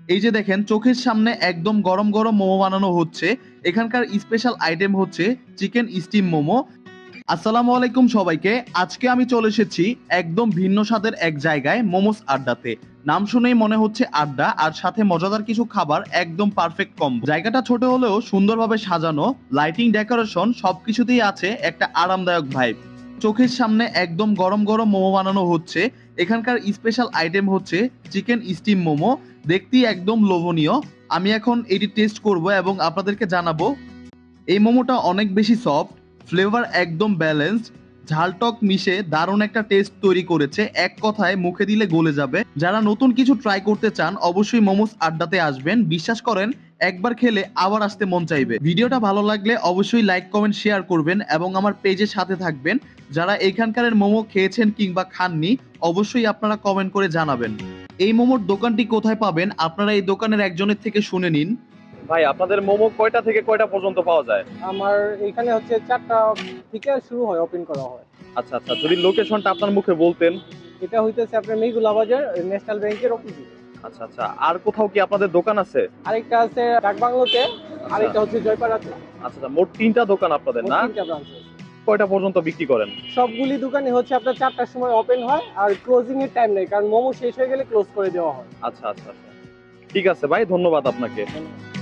এই যে দেখেন চোখের সামনে একদম গরম গরম মোমো বানানো হচ্ছে। এখানকার স্পেশাল আইটেম হচ্ছে চিকেন স্টিম মোমো। আসসালামু আলাইকুম সবাইকে। আজকে আমি চলে এসেছি একদম ভিন্ন স্বাদের এক জায়গায়, মোমোস আড্ডাতে। নাম শুনেই মনে হচ্ছে আড্ডা, আর সাথে মজাদার কিছু খাবার, একদম পারফেক্ট কম্বো। জায়গাটা ছোট হলেও সুন্দরভাবে সাজানো, লাইটিং, ডেকোরেশন সবকিছুতেই আছে একটা আরামদায়ক ভাইব। চোখের সামনে একদম গরম গরম মোমো বানানো হচ্ছে। এখানকার স্পেশাল আইটেম হচ্ছে চিকেন স্টিম মোমো। দেখতেই একদম লোভনীয়। আমি এখন এটি টেস্ট করব এবং আপনাদেরকে জানাবো। এই মোমোটা অনেক বেশি সফট, ফ্লেভার একদম ব্যালেন্সড, ঝালটক মিশে দারুণ একটা টেস্ট তৈরি করেছে। এক কথায় মুখে দিলে গলে যাবে। যারা নতুন কিছু ট্রাই করতে চান অবশ্যই মোমোস আড্ডাতে আসবেন। বিশ্বাস করেন, একবার খেলে আবার আসতে মন চাইবে। ভিডিওটা ভালো লাগলে অবশ্যই লাইক, কমেন্ট, শেয়ার করবেন এবং আমার পেজের সাথে থাকবেন। যারা এখানকার মোমো খেয়েছেন কিংবা খাননি অবশ্যই আপনারা কমেন্ট করে জানাবেন। এই মোমোর দোকানটি কোথায় পাবেন আপনারা এই দোকানের একজনের থেকে শুনে নিন। ভাই, আপনাদের মোমো কয়টা থেকে কয়টা পর্যন্ত পাওয়া যায়? আমার এখানে হচ্ছে 4টা থেকে শুরু হয়, ওপেন করা হয়। আচ্ছা আচ্ছা, যদি লোকেশনটা আপনার মুখে বলতেন। এটা হইতেছে আপনার মেঘুলা বাজার, ন্যাশনাল ব্যাংকের অপোজিট। আচ্ছা আচ্ছা, আর কোথাও কি আপনাদের দোকান আছে? আরেকটা আছে ডাকবাংলোতে, আরেকটা হচ্ছে জয়পাড়াতে। আচ্ছা আচ্ছা, মোট 3টা দোকান আপনাদের মোট না? 3টা ব্রাঞ্চ আছে। কয়টা পর্যন্ত বিক্রি করেন? সবগুলি দোকানে হচ্ছে আপনার 4টার সময় ওপেন হয়, আর ক্লোজিং এর টাইম নেই, কারণ মোমো শেষ হয়ে গেলে ক্লোজ করে দেওয়া হয়। আচ্ছা আচ্ছা আচ্ছা, ঠিক আছে ভাই, ধন্যবাদ আপনাকে।